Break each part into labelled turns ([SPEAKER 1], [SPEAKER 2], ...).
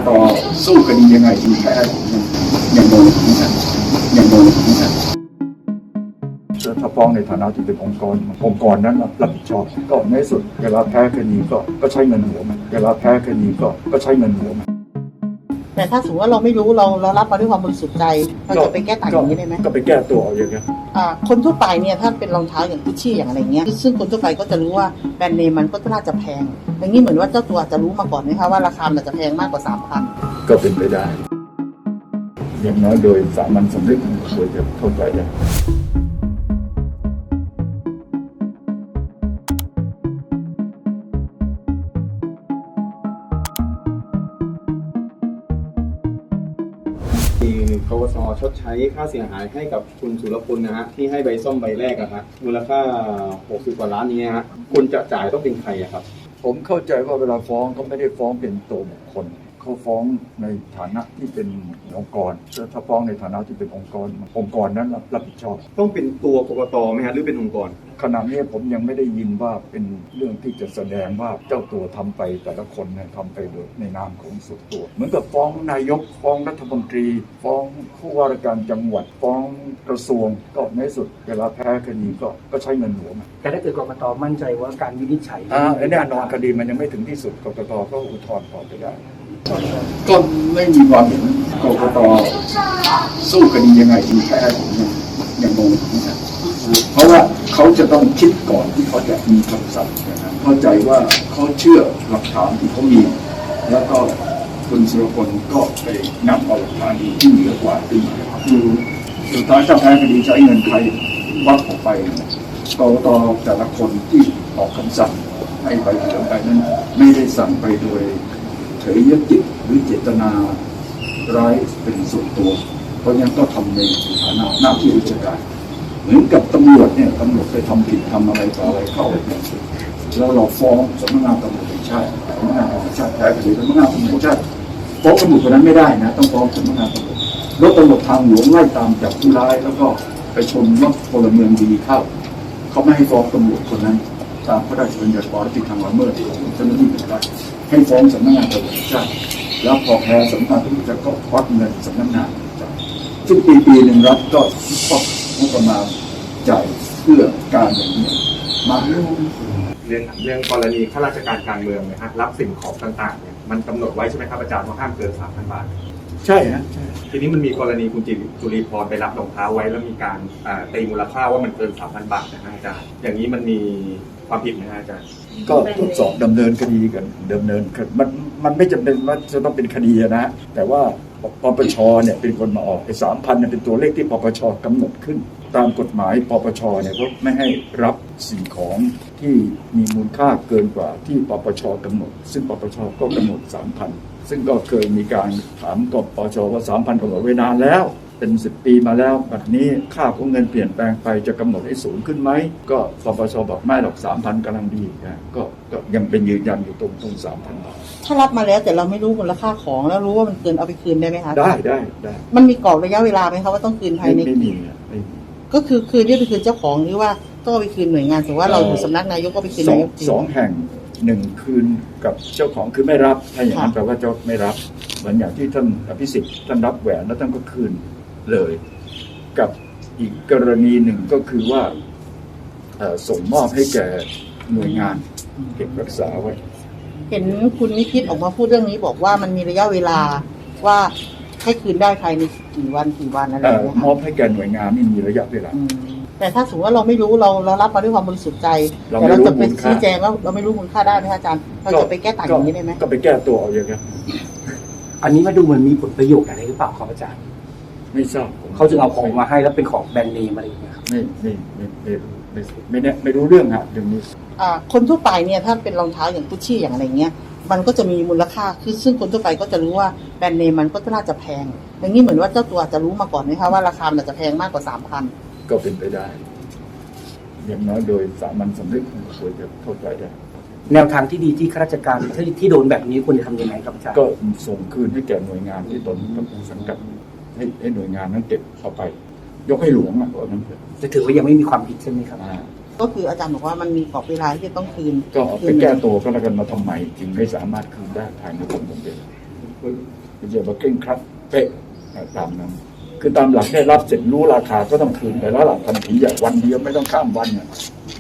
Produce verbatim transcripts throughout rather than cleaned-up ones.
[SPEAKER 1] ตสู้คดียังไงถึงแพ้ยังโดนนะครับยังโดนนะครับถ้าฟ้องในฐานะที่เป็นองค์กรองค์กรนั้นรับผิดชอบก็ในสุดเวลาแพ้คดีก็ก็ใช้เงินหัวมันเวลาแพ้คดีก็ก็ใช้เงินหัวมัน
[SPEAKER 2] แต่ถ้าสมมติว่าเราไม่รู้เราเรารับมาด้วยความบริสุทธิ์ใจเราจะไปแก้ต่างอย่างนี้ได้ไหม
[SPEAKER 1] ก็ไปแก้ตัวเอาอย่างเงี้ย
[SPEAKER 2] อ่าคนทั่วไปเนี่ยถ้าเป็นรองเท้าอย่างกุชชี่อย่างอะไรเงี้ยซึ่งคนทั่วไปก็จะรู้ว่าแบรนด์เนมมันก็น่าจะแพงอย่างนี้เหมือนว่าเจ้าตัวจะรู้มาก่อนไหมคะว่าราคามันจะแพงมากกว่าสามพัน
[SPEAKER 1] ก็เป็นไปได้อย่างน้อยโดยสามัญสำนึกควรจะเข้าใจได้
[SPEAKER 3] ปปส.ชดใช้ค่าเสียหายให้กับคุณสุรพลนะฮะที่ให้ใบส้มใบแรกอะฮะมูลค่าหกสิบกว่าล้านนี้ฮะคนจะจ่ายต้องเป็นใครอะครับ
[SPEAKER 1] ผมเข้าใจว่าเวลาฟ้องเขาไม่ได้ฟ้องเป็นตัวบุคคลเขาฟ้องในฐานะที่เป็นองค์กรถ้าฟ้องในฐานะที่เป็นองค์กรองค์กรนั้นรับผิดชอบ
[SPEAKER 3] ต้องเป็นตัวกกต.ไหมฮะหรือเป็นองค์กร
[SPEAKER 1] ขณะนี้ผมยังไม่ได้ยินว่าเป็นเรื่องที่จะแสดงว่าเจ้าตัวทำไปแต่ละคนเนี่ยทำไปโดยในนามของส่วนตัวเหมือนกับฟ้องนายกฟ้องรัฐมนตรีฟ้องผู้ว่าราชการจังหวัดฟ้องกระทรวงก็ในสุดเวลาแพ้คดีก็ก็ใช้เงินหัวมัน
[SPEAKER 4] แต่ถ้าเกิดกกต.มั่นใจว่าการวินิจฉัย
[SPEAKER 1] อ่าแน่นอนคดีมันยังไม่ถึงที่สุดกกต.ก็อุทธรณ์ต่อไปได้ก็ไม่มีความเห็นกกต.สู้คดียังไงถึงแพ้ยังงงนะครับเพราะว่าเขาจะต้องคิดก่อนที่เขาจะมีคำสั่งนะครับเข้าใจว่าเขาเชื่อหลักฐานที่เขามีแล้วก็คุณสุรพลก็ไปนำเอาหลักฐานที่เหนือกว่าขึ้นมาคือสุดท้ายถ้าแพ้คดีใช้เงินใครวัดออกไปกกต.แต่ละคนที่ออกคำสั่งให้ไปเหลืองไปนั้นไม่ได้สั่งไปโดยเฉยยจิตหรือเจตนาร้ายเป็นส่วนตัวเพราะยังก็ทำในฐานะหน้าที่ราชการเหมือนกับตำรวจเนี่ยตำรวจไปทำผิดทำอะไรต่ออะไรเข้าแล้วเราฟ้องสำนักงานตำรวจแห่งชาติสำนักงานตำรวจแห่งชาติแพ้คดีสำนักงานตำรวจแห่งชาติฟ้องตำรวจคนนั้นไม่ได้นะต้องฟ้องสำนักงานตำรวจรถตำรวจทางหลวงไล่ตามจับผู้ร้ายแล้วก็ไปชนรถพลเมืองดีเข้าเขาไม่ให้ฟ้องตำรวจคนนั้นตามพระราชบัญญัติความผิดทางละเมิดของเจ้าหน้าที่เป็นรัฐให้ฟ้องสำนักงานตำรวจแห่งชาติแล้วพอแพ้สำนักงานตำรวจก็ควักเงินสำนักงานซึ่งปีปีหนึ่งรัฐก็ควักงบประมาณจ่ายเพื่อการอย่างนี้มาเรื่อง
[SPEAKER 3] เรื่องเรื่องกรณีข้าราชการการเมืองนะฮะรับสิ่งของต่างๆเนี่ยมันกำหนดไว้ใช่ไหมครับอาจารย์ว่าห้ามเกินสามพันบาท
[SPEAKER 1] ใช่ฮะใช่
[SPEAKER 3] ทีนี้มันมีกรณีคุณจุลีพรไปรับรองเท้าไว้แล้วมีการตีมูลค่าว่ามันเกินสามพันบาทนะอาจารย์อย่างนี้มันมีความผิดไหมอาจารย์
[SPEAKER 1] ก็ทดสอบดำเนินคดีกันดำเนินมันมันไม่จำเป็นว่าจะต้องเป็นคดีนะแต่ว่าปปชเนี่ยเป็นคนมาออกไอ้สามพันเนี่ยเป็นตัวเลขที่ปปชกำหนดขึ้นตามกฎหมายปปชเนี่ยก็ไม่ให้รับสิ่งของที่มีมูลค่าเกินกว่าที่ปปชกำหนดซึ่งปปชก็กำหนด สามพัน ซึ่งก็เคยมีการถามกปปชว่า สามพัน กำหนดไว้นานแล้วเป็นสิบปีมาแล้วแบบนี้ค่าของเงินเปลี่ยนแปลงไปจะกำหนดให้สูงขึ้นไหมก็ปปชบอกไม่หรอก สามพัน กำลังดีนะก็ก็ยังเป็นยืนยันอยู่ตรงตรง สามพัน บาท
[SPEAKER 2] ถ้ารับมาแล้วแต่เราไม่รู้มูลค่าของแล้วรู้ว่ามันเกินเอาไปคืนได้ไหมคะ
[SPEAKER 1] ได้ได้ได้
[SPEAKER 2] มันมีกรอบระยะเวลาไหมคะว่าต้องคืนภายใน
[SPEAKER 1] ไม่มีไม่มี
[SPEAKER 2] ก็คือคืนนี่ไปคืนเจ้าของหรือว่าต้องไปคืนหน่วยงานสมมติว่าเราอยู่สำนักนายกก็ไปคืนนายก
[SPEAKER 1] สองแห่งหนึ่งคืนกับเจ้าของคือไม่รับถ้าอย่างนั้นแปลว่าเจ้าไม่รับเหมือนอย่างที่ท่านอภิสิทธิ์ท่านรับแหวนแล้วท่านก็คืนเลยกับอีกกรณีหนึ่งก็คือว่าส่งมอบให้แก่หน่วยงานเก็บรักษาไว้
[SPEAKER 2] เห็นคุณนิพิษออกมาพูดเรื่องนี้บอกว่ามันมีระยะเวลาว่าให้คืนได้ภายในกี่วันกี่วันอะไรอย่างเงี้ย
[SPEAKER 1] มอบให้แก่หน่วยงานนี่มีระยะเวลา
[SPEAKER 2] แต่ถ้าสมมติว่าเราไม่รู้เราเรารับมาด้วยความบริสุทธิ์ใจแต่เราจะไปชี้แจงว่าเราไม่รู้มูลค่าได้ไหมอาจารย์เราจะไปแก้ต่างอย่างนี้ได้ไหม
[SPEAKER 1] ก็ไปแก้ตัวเอาอย่างเงี้ย
[SPEAKER 4] อันนี้มาดูเหมือนมีผลประโยชน์อะไรหรือเปล่าครับอาจารย์
[SPEAKER 1] ไม่ทราบ
[SPEAKER 4] เขาจะเอาของมาให้แล้วเป็นของแบรนด์เนมอะไรอย่างเงี้ยครับ
[SPEAKER 1] ไม่ไม่ไม่ไม่ไม่ไม่เนี่ยไม่รู้เรื่องอะเรื่องนี้
[SPEAKER 2] อ่าคนทั่วไปเนี่ยถ้าเป็นรองเท้าอย่างกุชชี่อย่างอะไรเงี้ยมันก็จะมีมูลค่าคือซึ่งคนทั่วไปก็จะรู้ว่าแบรนด์เนมมันก็น่าจะแพงอย่างนี้เหมือนว่าเจ้าตัวจะรู้มาก่อนไหมคะว่าราคามันจะแพงมากกว่าสามพัน
[SPEAKER 1] ก็เป็นไปได้อย่างน้อยโดยสามัญสำนึกควรจะเข้าใจได้
[SPEAKER 4] แนวทางที่ดีที่ข้าราชการที่ที่โดนแบบนี้ควรจะทำยังไงครับอาจารย์
[SPEAKER 1] ก็ส่งคืนให้แก่หน่วยงานที่ตนต้องสังกัดให้ให้หน่วยงานนั้นเก็บเข้าไปยกให้หลวงอ่ะว่านั้น
[SPEAKER 4] จะถือว่ายังไม่มีความผิดใช่ไหมครับ
[SPEAKER 2] ก็คืออาจารย์บอกว่ามันมีกรอบเวลาที่จะต้องคืน
[SPEAKER 1] ก็ไปแก้ตัวก็แล้วกันมาทำไมจึงไม่สามารถคืนได้ภายในกำหนดเวลาไม่ใช่ว่าเก่งครัดเป๊ะตามนั้นคือตามหลักได้รับเสร็จรู้ราคาก็ต้องคืนไปแล้วหลักทันทีอย่างวันเดียวไม่ต้องข้ามวันเนี่ย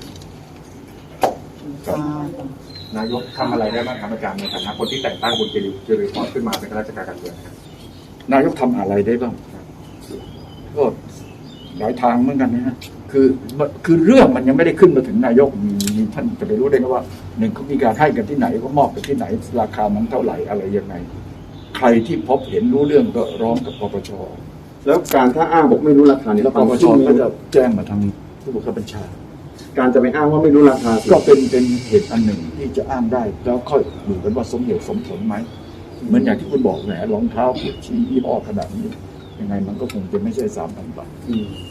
[SPEAKER 2] อ่าน
[SPEAKER 5] ายกทำอะไรได้บ้างครับอาจารย์ในฐานะคนที่แต่งตั้งคุณเจริญเจริญพรขึ้นมาเป็นข้าราชการการเมืองครับ
[SPEAKER 1] นายกทำอะไรได้บ้างก็หลายทางเหมือนกันนะฮะคือคือเรื่องมันยังไม่ได้ขึ้นมาถึงนายกมีมีท่านจะไปรู้ได้ไงว่าหนึ่งเขามีการให้กันที่ไหนก็มอบกันที่ไหนราคามันเท่าไหร่อะไรยังไงใครที่พบเห็นรู้เรื่องก็ร้องกับปปช
[SPEAKER 3] แล้วการถ้าอ้างบอกไม่รู้ราคานี่
[SPEAKER 1] แล้วปปชก็จะแจ้งมาทางผู้บังคับบัญชา
[SPEAKER 3] การจะไปอ้างว่าไม่รู้ราคา
[SPEAKER 1] ก็เป็นเป็นเหตุอันหนึ่งที่จะอ้างได้ แล้วค่อยดูกันว่าสมเหตุสมผลไหมเหมือนอย่างที่คุณบอกแหมรองเท้าเปลี่ยนชี้ยี่ห้อขนาดนี้ยังไงมันก็คงจะไม่ใช่สามพันบาท
[SPEAKER 3] อืม